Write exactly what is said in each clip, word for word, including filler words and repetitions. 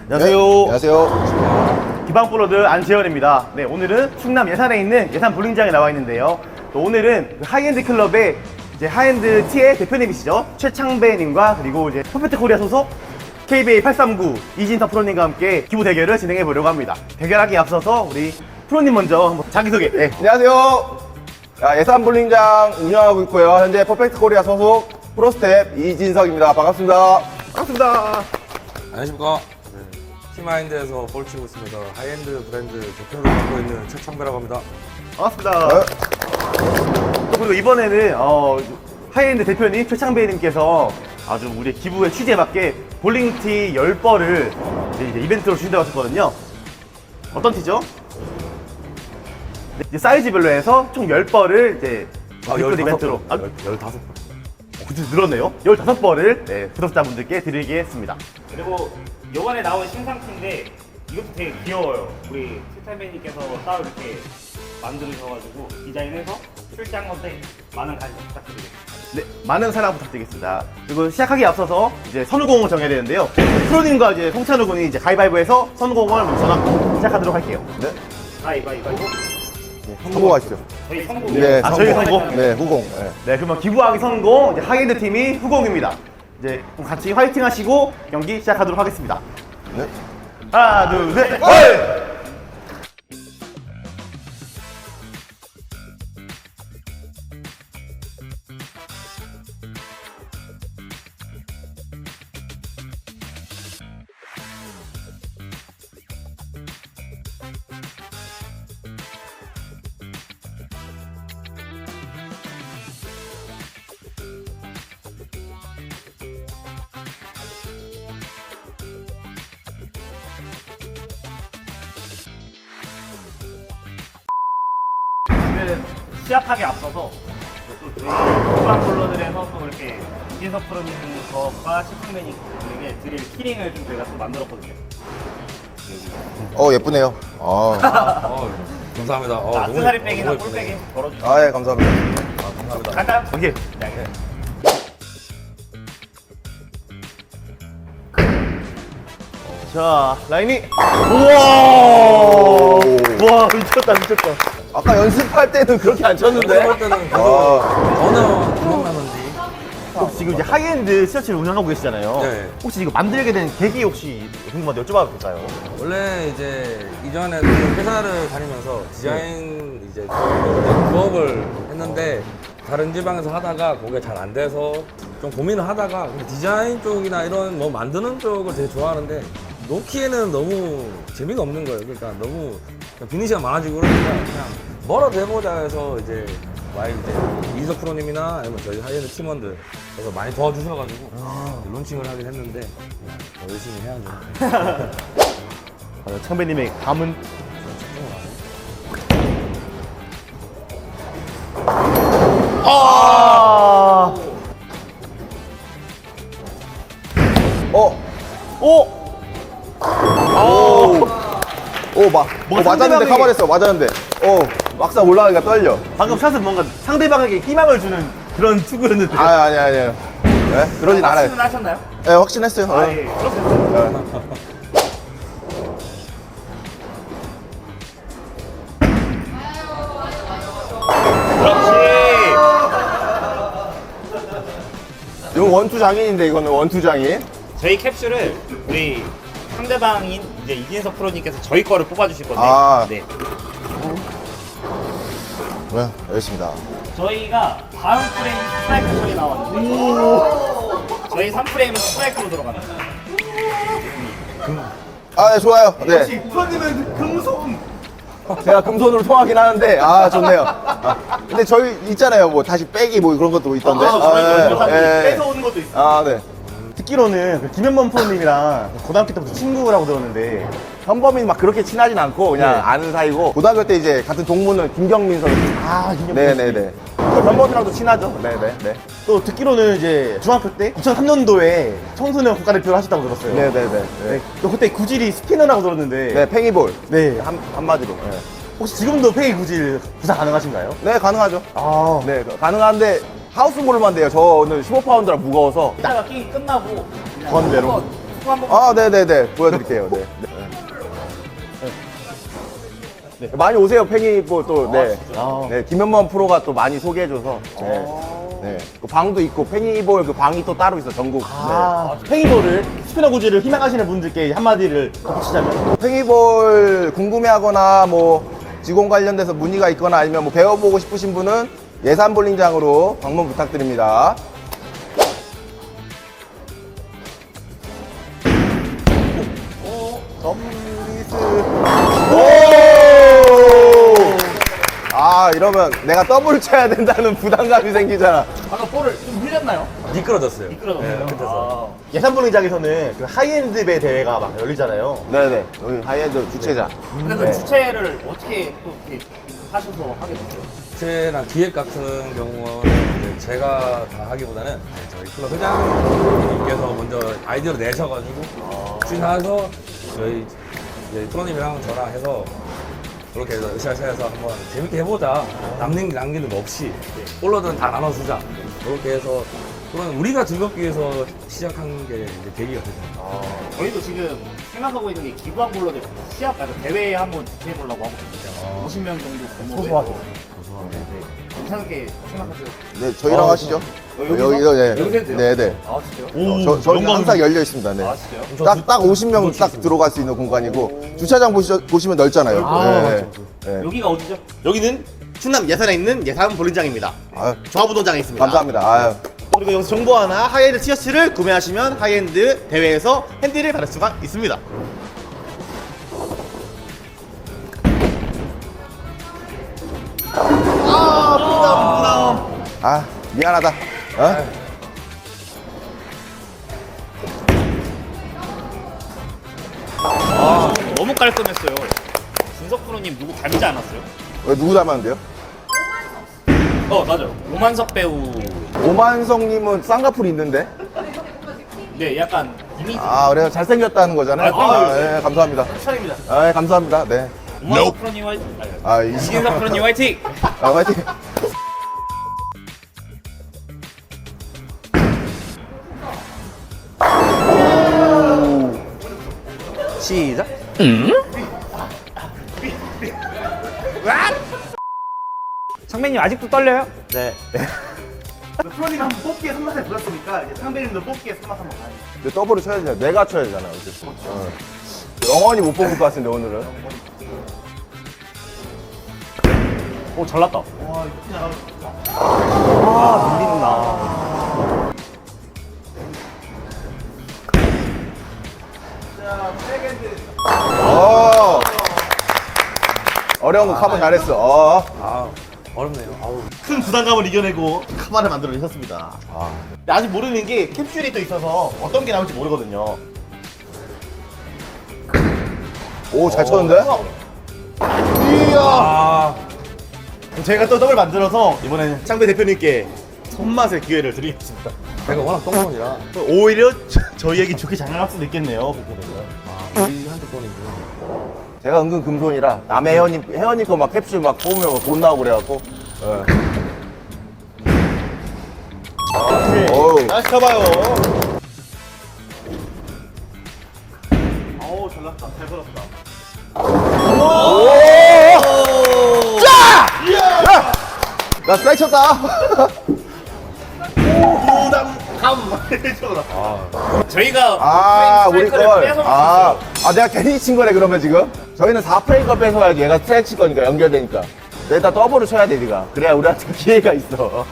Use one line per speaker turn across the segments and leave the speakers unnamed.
안녕하세요.
네, 안녕하세요.
기방프로드 안재현입니다. 네, 오늘은 충남 예산에 있는 예산 볼링장에 나와 있는데요. 또 오늘은 그 하이엔드 클럽의 이제 하이엔드 T의 대표님이시죠. 최창배님과 그리고 이제 퍼펙트 코리아 소속 케이비에이 팔삼구 이진서 프로님과 함께 기부 대결을 진행해 보려고 합니다. 대결하기 앞서서 우리 프로님 먼저 한번 자기소개. 네.
안녕하세요. 자, 예산 볼링장 운영하고 있고요. 현재 퍼펙트 코리아 소속 프로스텝 이진석입니다. 반갑습니다.
반갑습니다.
안녕하십니까. 네, 티마인드에서 볼 치고 있습니다. 하이엔드 브랜드 대표를 맡고 있는 최창배라고 합니다.
반갑습니다.
네.
또 그리고 이번에는 어, 하이엔드 대표님 최창배님께서 아주 우리 기부의 취지에 맞게 볼링티 열 벌을 이제, 이제 이벤트로 주신다고 하셨거든요. 어떤 티죠? 네, 이제 사이즈별로 해서 총 열 벌을 이제
아,
기부
열다섯
이벤트로
벌.
아,
열- 열다섯 번.
어, 그치 늘었네요. 열다섯 벌을 네, 구독자분들께 드리겠습니다.
그리고 이번에 나온 신상품인데 이것도 되게 귀여워요. 우리 최태배님께서 따로 이렇게 만들으셔가지고 디자인해서 출시한 건데 많은 관심 부탁드리겠습니다.
네, 많은 사랑 부탁드리겠습니다. 그리고 시작하기 앞서서 이제 선우공을 정해야 되는데요. 프로님과 이제 송찬우 군이 이제 가위바위보해서 선우공을 먼저 정하고 시작하도록 할게요.
네.
가위바위보.
성공하시죠.
저희 성공.
네,
아, 저희 성공?
네, 후공. 네.
네, 그러면 기부하기 성공, 이제 하이엔드 팀이 후공입니다. 이제 그럼 같이 화이팅 하시고 경기 시작하도록 하겠습니다.
네.
하나, 둘, 셋, 헐!
오늘 시작하기 앞서서 또 저희 후반볼러들에서 또 이렇게 이진석 프로님과 시청맨님에게 드릴 키링을 좀 저희가 또 만들었거든요.
어, 예쁘네요. 아,
어, 감사합니다. 어,
자,
너무
악세사리
예쁘-
백이나
너무
볼백이
예쁘네요.
걸어주시면
아, 예, 감사합니다.
아, 감사합니다.
간단.
오케이.
네.
자, 라인이. 우와! 우와, 미쳤다, 미쳤다.
아까 연습할 때는 그렇게 안 쳤는데.
할 때는 계속
아,
전혀 기억나는지.
혹시 지금 이제 하이엔드 티셔츠를 운영하고 계시잖아요.
네.
혹시 이거 만들게 된 계기 혹시 궁금한데 여쭤봐도 될까요?
원래 이제 이전에 그 회사를 다니면서 디자인 이제 부업을 했는데 다른 지방에서 하다가 그게 잘 안 돼서 좀 고민을 하다가 근데 디자인 쪽이나 이런 뭐 만드는 쪽을 되게 좋아하는데 놓기에는 너무 재미가 없는 거예요. 그러니까 너무 그냥 비는 시간 많아지고 그러니까 그냥 뭐라도 해보자 해서 이제 와이 이제 이석 프로님이나 아니면 저희 하이엔드 팀원들 그래서 많이 도와주셔가지고 론칭을 하긴 했는데 더 열심히 해야죠.
어, 창배님의 감은. 아!
어,
오!
오, 오, 막,
뭔가
어, 맞았는데
상대방이-
커버했어, 맞았는데. 어, 막상 올라가기가 떨려.
방금 샷은 뭔가 상대방에게 희망을 주는 그런 투구였는데.
아, 아니, 아니에요. 네? 그러진 않아요.
말씀은 하셨나요?
네, 확신했어요. 어.
아, 예. 그렇습니다. 그렇지.
이건 원투 장인인데, 이거는 원투 장인.
저희 캡슐을 우리 상대방인 이제 이진석 프로님께서 저희 거를 뽑아주실 건데.
아.
네.
네, 알겠습니다.
저희가 다음 프레임 스트라이크 처리 나왔는데. 저희 삼 프레임은 스트라이크로 들어갑니다.
아, 네, 좋아요. 네.
역시 프로님은 금손.
제가 금손으로 통하긴 하는데, 아, 좋네요. 아, 근데 저희 있잖아요. 뭐, 다시 빼기 뭐 그런 것도 있던데.
아, 저희가
예, 예.
뺏어오는 것도 있어.
아, 네.
듣기로는 그 김현범 프로님이랑 고등학교 때부터 친구라고 들었는데.
현범이 막 그렇게 친하진 않고, 그냥
네.
아는 사이고, 고등학교 때 이제 같은 동문은 김경민 선수.
아, 김현범.
네네네. 현범이랑도 친하죠. 네네. 네.
또 듣기로는 이제 중학교 때 이천삼 년도에 청소년 국가대표를 하셨다고 들었어요.
네네네.
네.
네.
또 그때 구질이 스피너라고 들었는데.
네, 팽이볼.
네.
한, 한마디로. 네.
혹시 지금도 페이 구질 구사 가능하신가요?
네, 가능하죠.
아.
네, 가능한데, 하우스볼만 돼요. 저는 십오 파운드라 무거워서.
이따가 게임 끝나고 그냥
건대로.
한번 템포 한번.
아, 네네네. 보여드릴게요. 네. 네. 네. 많이 오세요, 팽이볼 또. 네.
아.
네. 김현만 프로가 또 많이 소개해줘서. 네. 네. 그 방도 있고, 팽이볼 그 방이 또 따로 있어, 전국.
아, 팽이볼을 스피너 구질을 희망하시는 분들께 한마디를 덧붙이자면
네. 팽이볼 궁금해하거나 뭐 직원 관련돼서 문의가 있거나 아니면 뭐 배워보고 싶으신 분은 예산 볼링장으로 방문 부탁드립니다.
덤리스.
오! 아, 이러면 내가 더블 쳐야 된다는 부담감이 생기잖아.
아까 볼을 좀 흘렸나요?
미끄러졌어요.
미끄러졌어요.
네, 끝에서.
예산 볼링장에서는 그 하이엔드 배 대회가 막 열리잖아요.
네네. 여기 하이엔드 주최자.
근데 그
네.
주체를 어떻게 또 이렇게 하셔서 하게 됐어요?
주최나 기획 같은 경우는 이제 제가 다 하기보다는 저희 클럽 회장님께서 먼저 아이디어를 내셔가지고 추진해서 저희 이제 프로님이랑 저랑 해서 그렇게 해서 으쌰으쌰해서 한번 재밌게 해보자. 남는 남기는 거 없이 볼러들은 다 나눠주자. 그렇게 해서 그런 우리가 즐겁기 위해서 시작한 게 이제 계기가 됐죠.
저희도 지금 생각하고 있는 게 기부한 볼러들 시합, 아니, 대회에 한번 주최해보려고 하고 있거든요. 오십 명 정도 규모로.
소소하죠.
괜찮게 생각하세요.
네, 저희랑
아,
하시죠.
여기서?
여기서, 네.
여기서 해도 돼요?
네네.
아, 진짜요?
오,
저, 저희
영광.
항상 열려 있습니다. 네.
아, 진짜요?
딱, 딱 오십 명 딱 들어갈 수 있는 공간이고, 주차장 보시죠, 보시면 넓잖아요.
아,
네.
맞죠,
네.
여기가 어디죠?
여기는 충남 예산에 있는 예산 볼링장입니다.
아유,
조합우동장에 있습니다.
감사합니다. 아유.
그리고 여기서 정보 하나 하이엔드 티셔츠를 구매하시면 하이엔드 대회에서 핸디를 받을 수가 있습니다.
아, 미안하다. 어?
너무 깔끔했어요. 준석 프로님 누구 닮지 않았어요?
왜 누구 닮았는데요?
어, 맞아요. 오만석 배우.
오만성님은 쌍꺼풀 있는데?
네, 약간 이미지.
아, 그래요? 잘생겼다는 거잖아요.
아,
아, 네, 감사합니다.
추천입니다.
아, 네, 감사합니다. 네.
오만석 프로님 화이팅.
아, 이
이진석 프로님 화이팅.
아, 화이팅.
시작.
상민님 아직도 떨려요?
네.
프로님 한번 뽑기에 손맛을 보였으니까 이제 상배님도 뽑기에 손맛 한번 가요.
근데 더블을 쳐야 되잖아. 내가 쳐야 되잖아. 어쨌든. 어. 영원히 못 뽑을 것 같은데, 오늘은.
오, 잘났다.
와, 이거 진짜. 아, 밀린다. 자, 백핸드.
어. 어려운 거 커버 잘했어. 어.
아 어렵네요. 아우.
큰 부담감을 이겨내고 카바를 만들어내셨습니다.
아.
근데 아직 모르는 게 캡슐이 또 있어서 어떤 게 나올지 모르거든요.
오, 잘 쳤는데?
이야.
아.
제가 또 더블 만들어서 이번에는 창배 대표님께 손맛의 기회를 드리겠습니다.
제가 워낙 똥손이라.
오히려 저, 저희에게 좋게 장난할 수도 있겠네요. 그렇게 되면.
아 우리한테 뻔이구나.
제가 은근 금손이라 남의 회원님, 회원님 거 막 캡슐 막 뽑으면 돈 나오고 그래갖고. 예. 어우.
다시 가봐요. 어우, 잘났다. 잘 걸었다.
야! 나 스트라이크 쳤다.
부담감. 해줘라.
저희가
아, 우리
스트라이크를
걸.
뺏어먹었어요.
아, 아, 내가 괜히 친 거네, 그러면 지금? 저희는 사 프레임 걸 뺏어야지. 얘가 스트라이크 칠 거니까, 연결되니까. 내가 더블을 쳐야 돼, 니가. 그래야 우리한테 기회가 있어.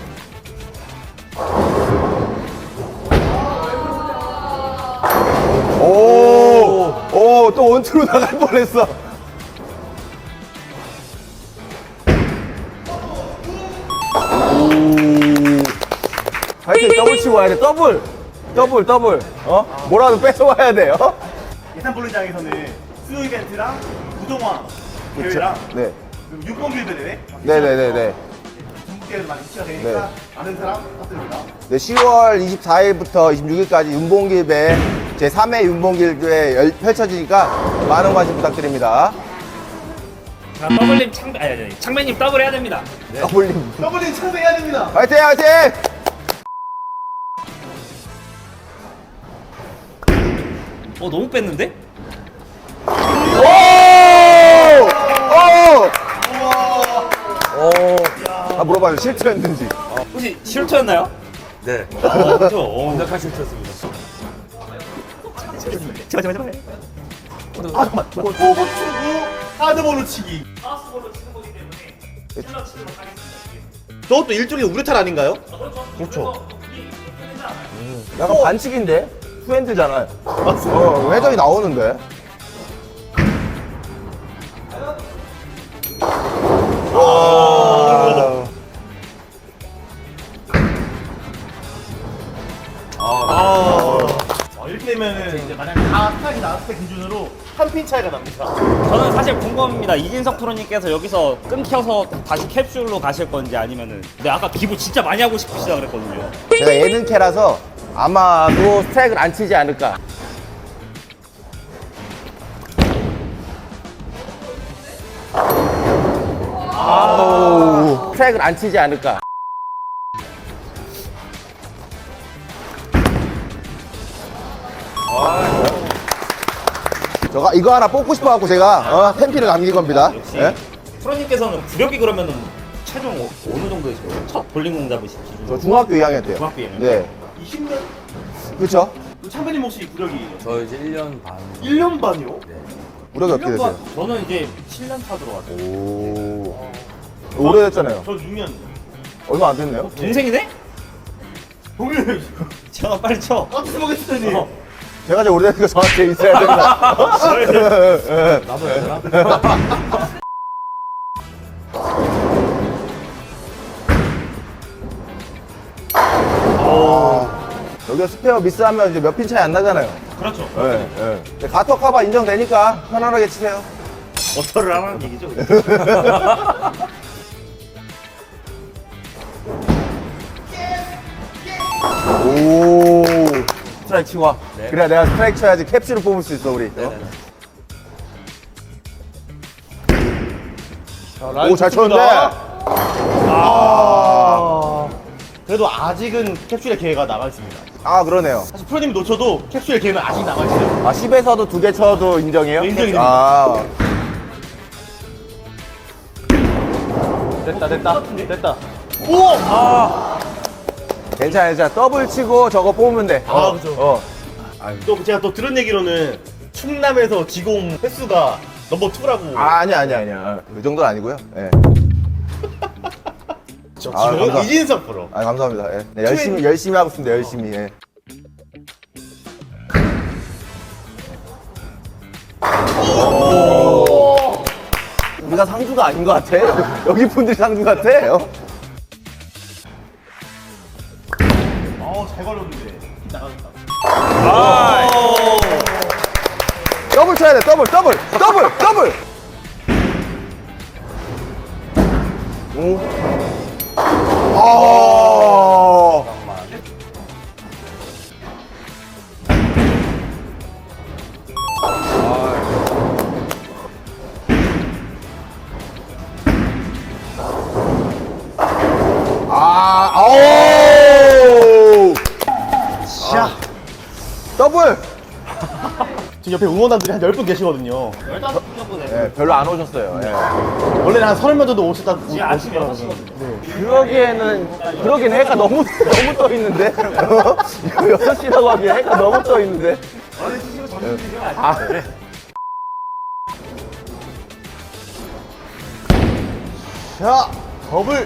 오, 오, 또 원투로 나갈 뻔했어. 화이팅, 더블 치고 와야 돼, 더블! 더블, 더블. 어? 뭐라도 뺏어와야 돼, 어?
예산 볼링장에서는 수요 이벤트랑 부동화 대회랑
네.
그리고 육번 길드 대회
네네네네.
전국대회도 많이 치가 되니까
네.
아는 사람 부탁드립니다.
네, 시월 이십사일부터 이십육일까지 윤봉길배 제삼 회 윤봉길배 열- 펼쳐지니까 많은 관심 부탁드립니다.
자, 더블님 창, 아니, 아니, 창배님 더블 해야 됩니다.
더블님.
더블링 창배해야 됩니다.
화이팅, 화이팅!
어 너무 뺐는데?
오! 오! 아, 물어봐요. 실수했는지.
혹시 실투였나요?
네.
어 그렇죠. 어.
완벽한 실수였습니다.
제발 제발 제발.
아, 잠깐만. 포구 추구 하드볼로 치기.
하우스볼로 치는 거기 때문에 찔러 치도록 하겠습니다.
저것도 일종의 우레탄 아닌가요?
그렇죠.
약간 반칙인데? 투핸드잖아요. 어, 회전이 나오는데? 아.
아, 이렇게 되면은 이제 만약에 다 스타일이 나왔을 때 기준으로 한 핀 차이가 납니다.
저는 사실 궁금합니다. 이진석 프로님께서 여기서 끊겨서 다시 캡슐로 가실 건지 아니면은 근데 아까 기부 진짜 많이 하고 싶으시다 그랬거든요.
제가 예능캐라서 아마도 스트라이크를 안 치지 않을까. 아우, 스트라이크를 안 치지 않을까. 저가 이거 하나 뽑고 싶어갖고 제가 어, 팬피를 남긴 겁니다.
역시
예?
프로님께서는 구력이 그러면은 최종 어- 어느 정도 되시고요? 첫 볼링공 잡으신 기준?
저 중학교 이 학년 때요.
중학교 이 학년?
네.
이십 년?
그렇죠.
참배님 혹시 구력이
저 이제 일 년 반.
일 년 반이요?
우력이 어떻게 되세요?
저는 이제 칠 년 차 들어왔어요.
오. 오래됐잖아요.
저 육 년.
얼마 안 됐네요.
동생이네?
동일
제가 빨리 쳐.
깜짝 놀랐더니.
어.
제가 제일 오래되니까 저한테 있어야 된다.
나도 해야 되나?
여기가 스페어 미스하면 이제 몇 핀 차이 안 나잖아요.
그렇죠.
예, 예. 근데 가터 커버 인정되니까 편안하게 치세요.
어터를 하라는 얘기죠.
오. 스트라이크 치고 와.
네.
그래, 내가 스트라이크 쳐야지 캡슐을 뽑을 수 있어, 우리.
네네네.
오, 잘 쳤는데. 아.
그래도 아직은 캡슐의 기회가 남아 있습니다.
아, 그러네요.
사실 프로님이 놓쳐도 캡슐의 기회는 아직 남아 있어요.
아, 십에서도 두 개 쳐도 인정해요?
네, 인정입니다.
아.
됐다, 됐다, 됐다. 오! 아,
괜찮아, 괜찮아. 더블 치고 저거 뽑으면 돼.
아,
어,
그죠.
어.
또 제가 또 들은 얘기로는 충남에서 지공 횟수가 넘버 투라고.
아, 아니야, 아니야, 아니야. 그 정도는 아니고요. 예.
저
아,
지금
감사합니다.
이진석 프로.
아, 감사합니다. 예. 네, 열심히, 열심히 하고 있습니다, 열심히. 예. 오. 우리가 상주가 아닌 것 같아. 여기 분들이 상주 같아. 어?
어, 잘 걸렸는데. 나가졌다.
더블 쳐야 돼, 더블, 더블, 더블, 더블. 오. 아. 아, 아오.
자,
더블.
지금 옆에 응원단들이 한 열 분 계시거든요.
열다섯 분 정도 되요.
예, 별로 안 오셨어요. 예.
원래는 한 서른 명 정도 오셨다.
지금 아침 여섯 시거든요.
그러기에는 그러기엔 해가 너무 너무 떠 있는데 여섯 시라고 하기엔 해가 너무 떠 있는데. 아, 그래.
자, 더블.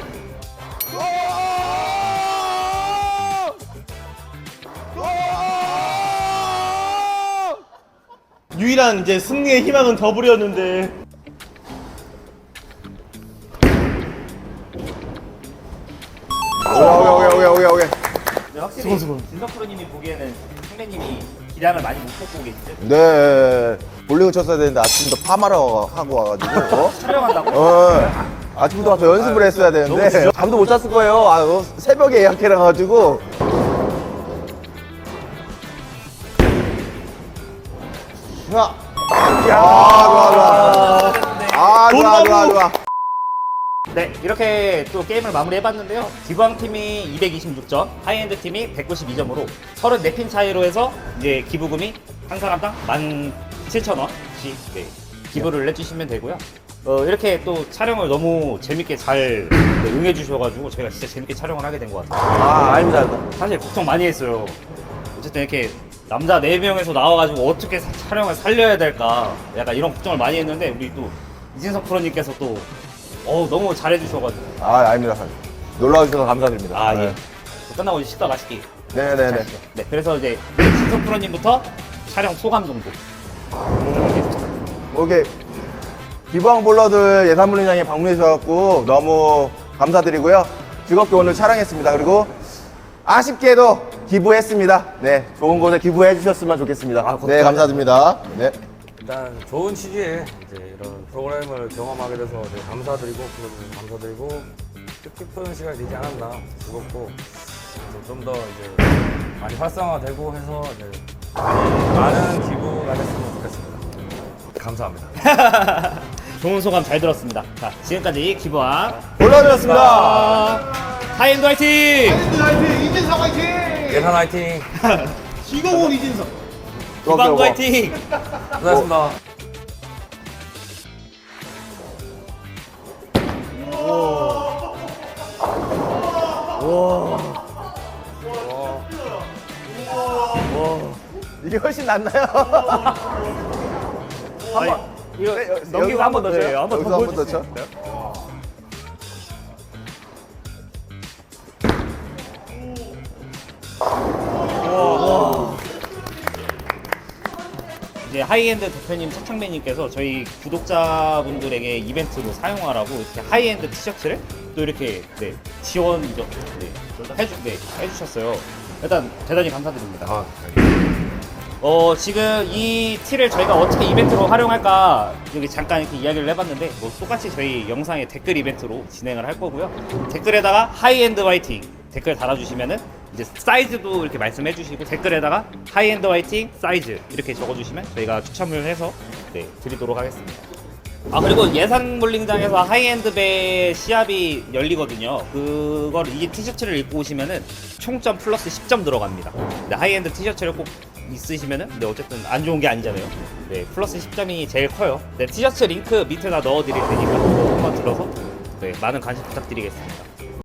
유일한 이제 승리의 희망은 더블이었는데.
오케이 오케이 오케이 오케이 오케이.
근데 확실히 진석 프로님이 보기에는 선배님이 기량을 많이 못 뽑고 계시죠?
네, 볼링을 쳤어야 되는데 아침부터 파마러 하고 와가지고. 어?
촬영한다고?
어. 아침부터 가서 연습을 했어야 되는데 잠도 못 잤을 거예요. 아, 어, 새벽에 예약해놔가지고.
자,
야, 좋아 좋아. 아, 좋아 좋아 좋아.
네, 이렇게 또 게임을 마무리해봤는데요. 기부왕 팀이 이백이십육 점, 하이엔드 팀이 백구십이 점으로 서른네 핀 차이로 해서 이제 기부금이 한 사람당 만 칠천 원씩 네, 기부를 해주시면 되고요. 어, 이렇게 또 촬영을 너무 재밌게 잘 네, 응해주셔가지고 저희가 진짜 재밌게 촬영을 하게 된 것 같아요.
아, 아닙니다. 아닙니다.
사실 걱정 많이 했어요. 어쨌든 이렇게 남자 네 명에서 나와가지고 어떻게 사- 촬영을 살려야 될까 약간 이런 걱정을 많이 했는데 우리 또 이진석 프로님께서 또 어, 너무 잘해주셔가지고
아, 아닙니다. 놀러 와주셔서 감사드립니다.
아 예.
네.
끝나고 이제 식사 맛있게.
네네네.
네, 그래서 이제 이진석 프로님부터 촬영 소감 정도.
뭐 이렇게 기부왕 볼러들 예산물리장에 방문해 주셔서 너무 감사드리고요. 즐겁게 오늘 촬영했습니다. 그리고 아쉽게도 기부했습니다. 네, 좋은 곳에 기부해 주셨으면 좋겠습니다.
아,
네, 감사드립니다. 네.
일단 좋은 취지에 이제 이런 프로그램을 경험하게 돼서 되게 감사드리고 프로님 감사드리고 뜻깊은 시간이 되지 않았나 즐겁고 좀 더 이제 많이 활성화되고 해서 이제 많이 많은 기부가 됐으면 좋겠습니다. 감사합니다.
좋은 소감 잘 들었습니다. 자, 지금까지 기부왕
볼러드였습니다.
하이엔드 화이팅!
화이팅! 이진석 화이팅!
예산 화이팅!
지공훈 이진석.
기부왕 화이팅!
고생하셨습니다.
이게 훨씬 낫나요?
아니, 이거
네, 여-
넘기고
여기서
한 번 더
쳐요?
줘요. 한 번 더
여기서 한번
보여줄 수
더
있어요? 이제 하이엔드 대표님 차창배님께서 저희 구독자분들에게 이벤트로 사용하라고 이렇게 하이엔드 티셔츠를 또 이렇게 네, 지원 네, 해주, 네, 해주셨어요. 일단 대단히 감사드립니다.
아,
어, 지금 이 티를 저희가 어떻게 이벤트로 활용할까 여기 잠깐 이렇게 이야기를 해봤는데 뭐 똑같이 저희 영상의 댓글 이벤트로 진행을 할 거고요. 댓글에다가 하이엔드 화이팅 댓글 달아주시면은 이제 사이즈도 이렇게 말씀해 주시고 댓글에다가 하이엔드 화이팅 사이즈 이렇게 적어주시면 저희가 추첨을 해서 네, 드리도록 하겠습니다. 아 그리고 예산 볼링장에서 하이엔드 배 시합이 열리거든요. 그걸 이 티셔츠를 입고 오시면은 총점 플러스 십 점 들어갑니다. 근데 하이엔드 티셔츠를 꼭 있으시면은 근데 어쨌든 안 좋은 게 아니잖아요. 네 플러스 십 점이 제일 커요. 네 티셔츠 링크 밑에다 넣어드릴 테니까 한번 들어서 네 많은 관심 부탁드리겠습니다.